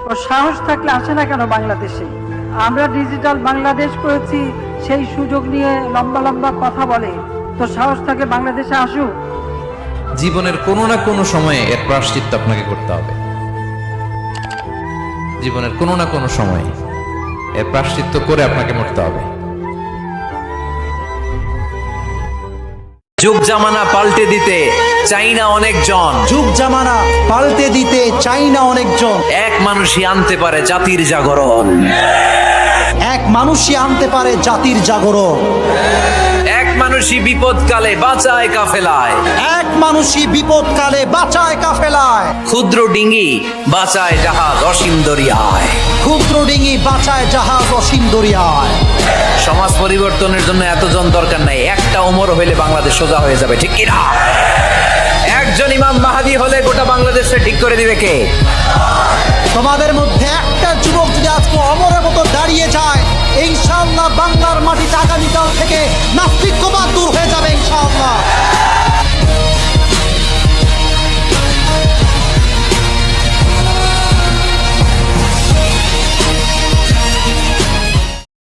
ও সাহস থাকলে আসে না কেন বাংলাদেশে? আমরা ডিজিটাল বাংলাদেশ করেছি, সেই সুযোগ নিয়ে লম্বা লম্বা কথা বলে। তো সাহস থাকলে বাংলাদেশে আসুক। জীবনের কোনো না কোনো সময়ে এর প্রায়শ্চিত্ত আপনাকে করতে হবে। জীবনের কোনো না কোনো সময়ে এর প্রায়শ্চিত্ত করে আপনাকে মরতে হবে। যুগ জামানা পাল্টে দিতে চাই না অনেকজন, যুগ জামানা পাল্টে দিতে চাই না অনেকজন। এক মানুষই আনতে পারে জাতির জাগরণ। এক মানুষই আনতে পারে জাতির জাগরণ। এক মানুষই বিপদকালে বাঁচায় কাফেলায়। এক মানুষই বিপদকালে বাঁচায় কাফেলায়। ক্ষুদ্র ডিঙ্গি বাঁচায় জাহাজ অসীম দরিয়ায়। ক্ষুদ্র ডিঙি বাঁচায় জাহাজ অসীম দরিয়ায়। সমাজ পরিবর্তনের জন্য এতজন দরকার নাই, একটা ওমর হইলে বাংলাদেশ সোজা হয়ে যাবে, ঠিক কিনা? একজন ইমাম মাহাদি হলে গোটা বাংলাদেশে ঠিক করে দিবে কে? তোমাদের মধ্যে একটা যুবক যদি আজকে অমরের মতো দাঁড়িয়ে যায়, ইনশাআল্লাহ বাংলার মাটিতে আগামীকাল থেকে নাস্তিক্যবাদ দূর হয়ে যাবে ইনশাআল্লাহ।